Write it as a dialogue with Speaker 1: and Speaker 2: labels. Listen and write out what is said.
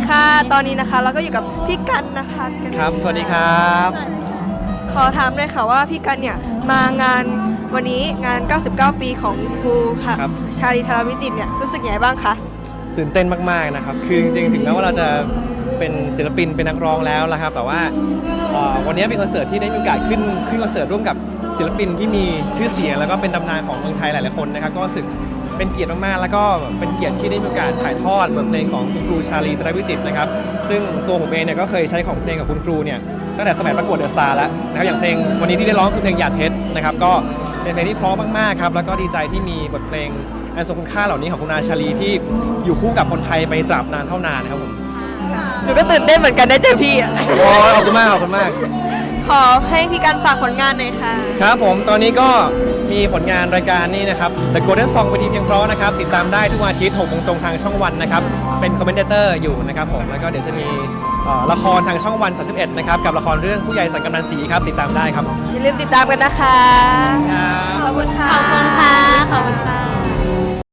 Speaker 1: ค่ะตอนนี้นะคะเราก็อยู่กับพี่กันนะคะ
Speaker 2: ครับสวัสดีครับ
Speaker 1: ขอถามเลยค่ะว่าพี่กันเนี่ยมางานวันนี้งาน 99 ปีของครูชาลีธารวิจิตรเนี่ยรู้สึกยังไงบ้างคะ
Speaker 2: ตื่นเต้นมากๆนะครับคือจริงๆถึงแม้ว่าเราจะเป็นศิลปินเป็นนักร้องแล้วนะครับแต่ว่าวันนี้เป็นคอนเสิร์ตที่ได้มีโอกาสขึ้นคอนเสิร์ตร่วมกับศิลปินที่มีชื่อเสียงแล้วก็เป็นตำนานของเมืองไทยหลายๆคนนะครับก็รู้สึกเป็นเกียรติมากๆแล้วก็เป็นเกียรติที่ได้มีโอกาสถ่ายทอดบทเพลงของคุณครูชาลีธารวิจิตรนะครับซึ่งตัวผมเองเนี่ยก็เคยใช้ของเพลงกับคุณครูเนี่ยตั้งแต่สมัยประกวดเดอะสตาร์แล้วนะครับอย่างเพลงวันนี้ที่ได้ร้องคือเพลงหยาดเพชรนะครับก็เป็นเพลงที่เพราะมากๆครับแล้วก็ดีใจที่มีบทเพลงอันทรงคุณค่าเหล่านี้ของคุณอาชาลีที่อยู่คู่กับคนไทยไปตราบนานเท่านานนะครับผม
Speaker 1: หนูก็ตื่นเต้นเหมือนกันได้เจอพี่อ่ะ
Speaker 2: ขอบคุณมากขอบคุณมาก
Speaker 1: ขอให้พี่กันฝากผลงานหน่อยค่ะ
Speaker 2: ครับผมตอนนี้ก็มีผลงานรายการนี้นะครับ The Golden Song เวทีเพียงเพราะนะครับติดตามได้ทุกวันอาทิตย์ 6 โมงตรงทางช่องวันนะครับเป็นคอมเมนเตอร์อยู่นะครับผมแล้วก็เดี๋ยวจะมีละครทางช่องวัน 31นะครับกับละครเรื่องผู้ใหญ่สังกำนันศรีครับติดตามได้ครับ
Speaker 1: อย่าลืมติดตามกันนะคะ